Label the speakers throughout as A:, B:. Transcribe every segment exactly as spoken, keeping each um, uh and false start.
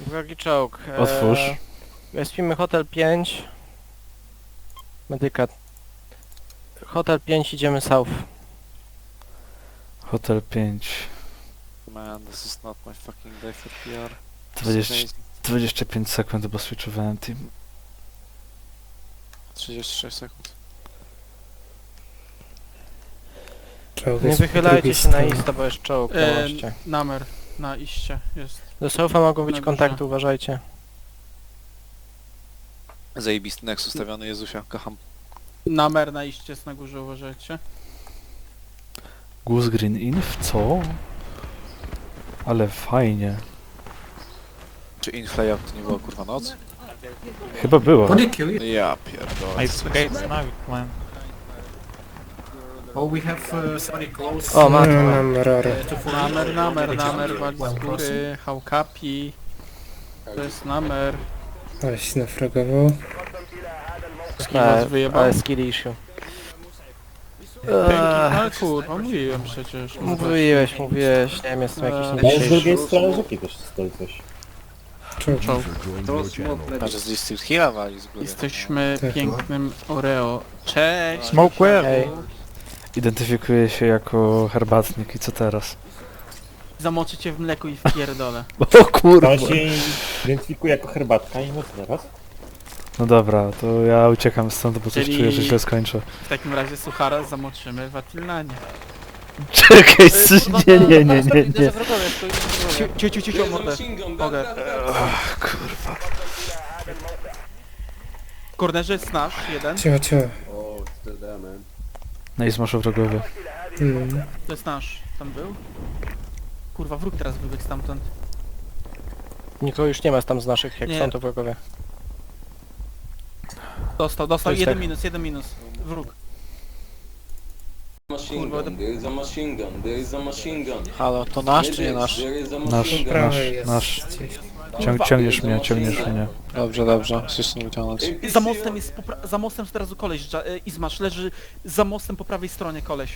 A: Wrogi czołg.
B: Otwórz.
A: Eee, Spimy Hotel pięć. Medyka. Hotel pięć, idziemy south.
B: Hotel pięć.
C: Man, this is not my fucking day for P R.
B: dwadzieścia, dwadzieścia pięć sekund, bo switchowałem team.
C: trzydzieści sześć sekund.
D: Czołg
A: Nie
D: jest po
A: wychylajcie
D: drugiej
A: się na
D: stronie.
A: ista, bo jest czołg na
E: E,
A: moście.
E: Namer na iście jest.
A: Do southa mogą być
E: na górze.
A: kontakty, uważajcie.
C: Zajebisty next ustawiony, Jezusia, kocham.
E: Namer na iście jest na górze, uważajcie.
B: Goose Green Inf? Co? Ale fajnie.
C: Czy inflay to nie była kurwa noc?
B: Chyba było.
F: What did kill you?
C: Ja pierdolę.
G: I escaped now, man.
F: Oh, we have uh, somebody close.
A: O, ma-
D: No, mam rorę.
F: uh, to follow
E: Namer,
F: you.
E: namer, namer, wali
F: Well
E: z góry, hałkapi. To jest namer.
D: Ale się nafragował.
E: Z kim was wyjebał?
A: Ale skill issue.
E: Pęki,
A: Eee,
E: ale kurwa, mówiłem przecież.
A: Mówiłeś, mówiłeś, nie wiem, jestem jakiś
E: Eee,
H: Ale z
A: niedźwiejszy.
H: drugiej strony rzeki też stoi coś.
D: Czołg.
E: Czołg.
C: Może z Distil Hilla wali z góry.
E: Jesteśmy
D: Tak.
E: pięknym Oreo. Cześć!
G: Smoke where?
A: Hej.
B: Identyfikuję się jako herbatnik i co teraz?
E: Zamoczę cię w mleku i w pierdolę.
B: O kurwa!
H: To się identyfikuje jako herbatka i no teraz?
B: No dobra, to ja uciekam stąd, bo coś
E: Czyli-
B: czuję, że źle skończę.
E: W takim razie suchara zamoczymy w Atilnanie.
B: Czekaj, nie, nie, nie, nie, nie.
E: Ciu, ciu, ciu, ciu, mordę. Mogę.
B: Ach, kurwa.
E: W kornerze jest nasz, jeden.
D: Cicho, cicho.
B: No i zmaszu wrogowie.
D: Mm.
E: To jest nasz. Tam był? Kurwa, wróg teraz wybiegł stamtąd.
A: Nikogo już nie ma tam z naszych, jak
E: Nie.
A: są to wrogowie.
E: Dostał,
A: To
E: dostał,
A: jest
E: jeden
A: tak.
E: minus, jeden minus. Wróg.
I: Machine gun, there is a machine gun, there is a machine gun.
C: Halo, to nasz czy nie nasz?
I: There is a
B: Nasz,
I: machine gun.
B: nasz,
D: Prawej jest
B: nasz.
D: gdzieś.
B: Ciąg, ciągniesz mnie, ciągniesz mnie.
C: Dobrze, dobrze, chcesz nie wyciągnąć.
E: Za mostem jest, popra- za mostem teraz koleś, Dża- e, Izmasz, leży za mostem po prawej stronie koleś.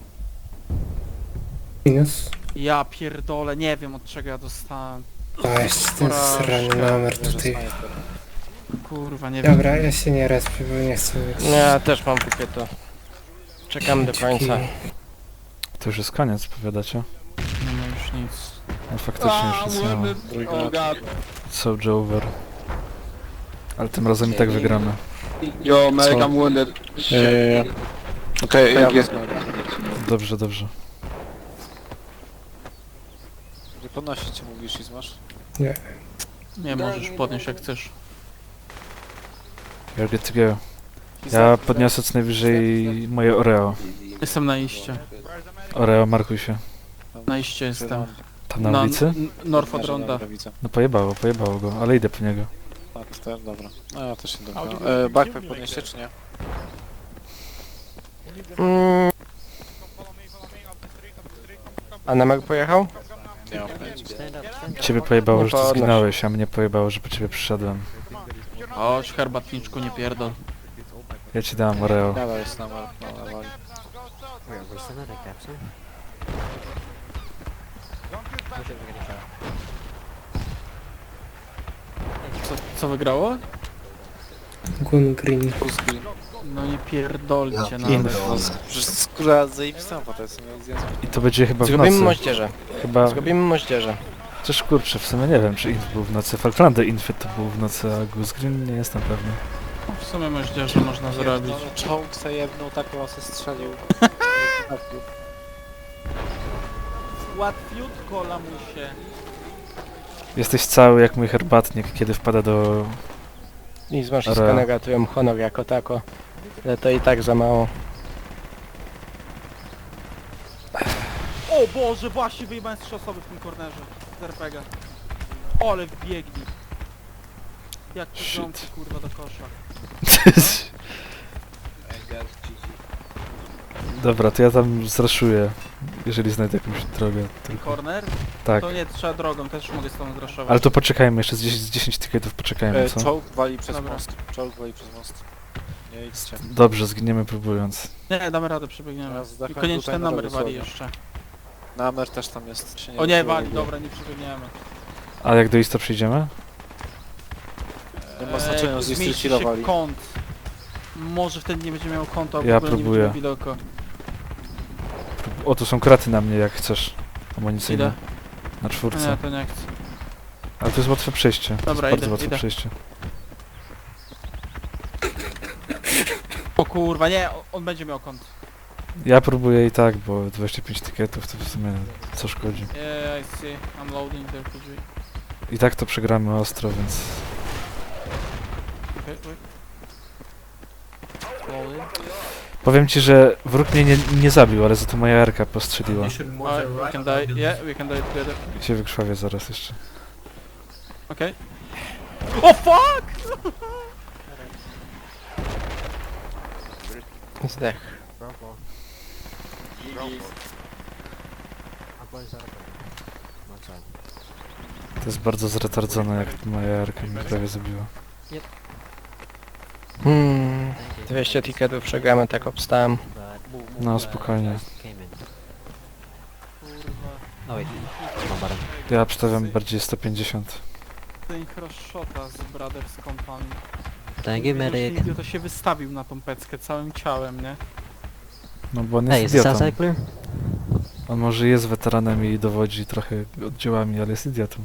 D: Minus.
E: Ja pierdolę, nie wiem od czego ja dostałem.
D: A, jeszcze ten srany numer tutaj.
E: Kurwa, nie wiem.
D: Dobra, ja się nie respię, bo nie chcę mieć.
A: Ja też mam kupię to. Czekamy do końca.
B: To już jest koniec, powiadacie?
E: Nie ma już nic.
B: No faktycznie już nic nie ma.
E: Oh god.
B: Soldier over. Ale tym razem i tak wygramy.
E: Yo, Meg, I'm wounded.
C: Eee, Okej, jak jest?
B: Dobrze, dobrze.
C: Nie podnosić cię, mówisz i zmasz?
E: Nie, możesz podnieść jak chcesz.
B: You're good to go. Ja podniosę co najwyżej moje Oreo.
E: Jestem na iście.
B: Oreo, markuj się.
E: Na iście jestem.
B: Tam na ulicy?
E: n- North od Ronda.
C: Widzę.
B: No pojebało, pojebało go, ale idę po niego.
C: Tak, to dobra. No ja też się dobra. E, backpack podnieście czy nie?
A: Mm. A Namek pojechał?
C: Nie mam pojęcia.
B: Ciebie pojebało,
A: No
B: że ty
A: podnoś.
B: zginąłeś, a mnie pojebało, że po ciebie przyszedłem.
E: Chodź, herbatniczku, nie pierdol.
B: Ja ci dałem Oreo.
C: Nadal jest na mar- na wali.
E: Co, co wygrało?
D: Gun Green.
C: Puski.
E: No nie pierdolcie na
B: Inf.
C: No, z- przecież skóra zajebista, bo to jest nie zjazd.
B: I to będzie chyba w
A: Zrobimy
B: nocy.
A: moździerze.
B: Chyba...
A: Zrobimy moździerze.
B: Też kurczę, w sumie nie wiem, czy Inf był w nocy. Falklandy Infy to był w nocy, a Goose Green nie jestem pewny.
E: W sumie moździerze można zrobić.
C: No, czołg zajebnął, taką osę strzelił.
E: Łatwiutko, lamusie.
B: Jesteś cały jak mój herbatnik, kiedy wpada do...
A: I z
B: Oreo.
A: wszystko negatują honor jako tako. Ale to i tak za mało.
E: O Boże, właśnie wyjebałem z trzy osoby w tym kornerze. Z er pe gie. Ole wbiegli. Jak to
B: Shit.
E: ząbki kurwa do kosza.
B: Dobra, to ja tam zraszuję, jeżeli znajdę jakąś drogę tylko.
E: Korner?
B: Tak,
E: To nie, trzeba drogą, też mogę z tą zraszować.
B: ale to poczekajmy, jeszcze z dziesięć, z dziesięć tykietów poczekajmy,
C: E,
B: co?
C: czołg wali przez
E: Dobra.
C: most. Czołg wali przez most. Nie idźcie.
B: Dobrze, zginiemy próbując.
E: Nie, damy radę, przebiegniemy.
C: Teraz
E: I
C: zdechłem
E: koniecznie
C: tutaj
E: ten
C: na
E: numer wali
C: Radosławie.
E: jeszcze.
C: Namer też tam jest. Się
E: O nie,
C: wysyła
E: wali,
C: w ogóle.
E: dobra, nie przebiegniemy.
B: A jak do Ista przyjdziemy?
C: Nie ma znaczenia, że
E: zmieści
C: jesteście
E: się
C: chillowali.
E: kąt. Może wtedy nie będzie miał kąta, albo
B: Ja
E: w ogóle nie
B: próbuję.
E: będzie miał widoku.
B: O, tu są kraty na mnie, jak chcesz. Amunicyjne.
E: Idę.
B: Na czwórce.
E: Nie, to nie chcę.
B: Ale to jest łatwe przejście. To
E: Dobra,
B: jest bardzo
E: idę,
B: łatwe
E: idę.
B: przejście.
E: O kurwa, nie, o- on będzie miał kąt.
B: Ja próbuję i tak, bo dwadzieścia pięć tykietów to w sumie co szkodzi.
E: Yeah, I see. I'm loading the R P G.
B: I tak to przegramy ostro, więc...
E: Okay, wait. Loading.
B: Powiem ci, że wróg mnie nie, nie zabił, ale za to moja erka postrzeliła.
F: You should move
E: Alright,
F: the
E: we
F: right
E: can
F: of the
E: die. Yeah, we can die together.
B: I się wykrwawię zaraz jeszcze.
E: Okay. Oh fuck!
A: Zdech.
B: To jest bardzo zretardzone, jak moja erka mnie prawie zabiła.
A: Hmm, dwieście ticketów przegramy, tak obstałem.
B: No spokojnie.
E: Kurwa.
B: Ja obstawiam bardziej sto pięćdziesiąt.
E: Ten shota z Brothers Company.
G: Thank you, medic.
E: To się wystawił na tą peckę całym ciałem, nie?
B: No bo on
G: Hey,
B: jest
G: is this
B: idiotą.
G: outside clear?
B: On może jest weteranem i dowodzi trochę oddziałami, ale jest idiotą.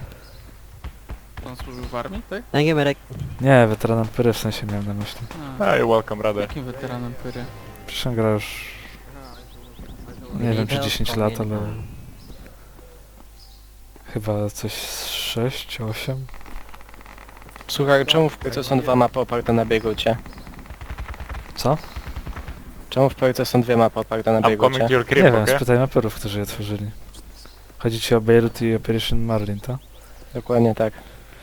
E: On służył w armii, tak?
G: Thank you, medic.
B: Nie, weteranem Pyry w sensie miałem na myśli.
E: A,
H: Hey, welcome, brother.
E: jakim weteranem pyry?
B: Przecież on gra już... Nie wiem czy dziesięć lat, ale... Chyba coś z sześć, osiem?
A: Słuchaj, czemu w Polsce są dwa mapy oparte na biegucie?
B: Co?
A: Czemu w Polsce są dwie mapy oparte na biegucie?
B: Nie wiem, spytaj maperów, którzy je tworzyli. Chodzi ci o Beirut i Operation Marlin, tak?
A: Dokładnie tak.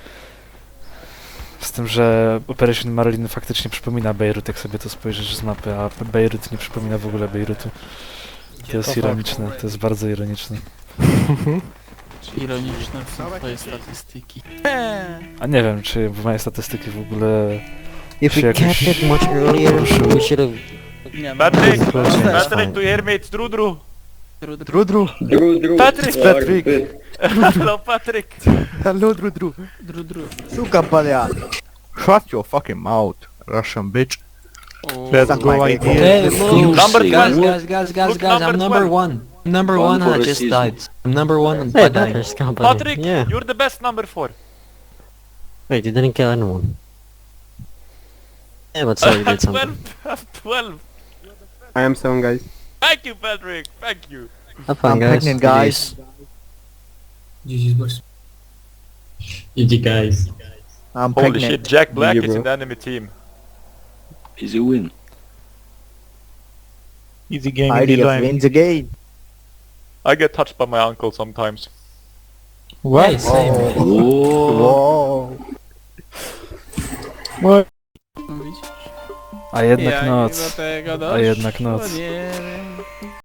B: Z tym, że Operation Marlin faktycznie przypomina Bejrut, jak sobie to spojrzysz z mapy, a Bejrut nie przypomina w ogóle Bejrutu. To jest ironiczne, to jest bardzo ironiczne.
E: Ironiczne są twoje statystyki.
B: A nie wiem, czy moje statystyki w ogóle...
G: If
B: się
G: we
B: jakoś
G: kept it much earlier,
B: poruszyły.
G: we should have...
E: Nie, no,
J: Patrick!
E: no,
G: That's
J: Patrick,
G: fine.
J: to hear me, it's Drudru!
E: Dru, dru,
A: Drudru!
J: Patrick!
A: Patrick!
J: Hello, Patrick!
A: Hello, Drudru!
E: dru, dru.
K: Suka palia! Shut your fucking mouth, Russian bitch.
E: O,
K: Let's go
G: Hey,
K: idea.
G: move!
J: Number
G: guys,
J: twelve.
G: guys, guys, guys,
J: Look,
G: guys, I'm
J: number
G: number
J: twelve.
G: one. I'm number
I: One
G: one and
I: for
G: I
I: the
G: just
I: season.
G: died. I'm number one and Hey, I died.
L: Brothers Company.
J: Patrick,
G: Yeah.
J: you're the best number four.
G: Wait, you didn't kill anyone. Yeah, but still you did something.
J: twelve, twelve.
K: I am seven guys.
J: Thank you, Patrick, thank you.
G: Have fun,
K: I'm
G: guys.
K: pregnant guys.
F: G G's boys.
L: G G guys.
K: I'm
J: Holy
K: pregnant.
J: shit, Jack Black
K: Yeah,
J: is
K: bro.
J: in the enemy team.
I: Easy win.
K: Easy game. I wins again.
J: I get touched by my uncle sometimes.
L: Hey, same.
I: Oh.
K: Wow.
E: no widzisz?
B: A jednak
E: Jak
B: noc.
E: do tego
B: A
E: doszło,
B: jednak noc.
E: Nie wiem.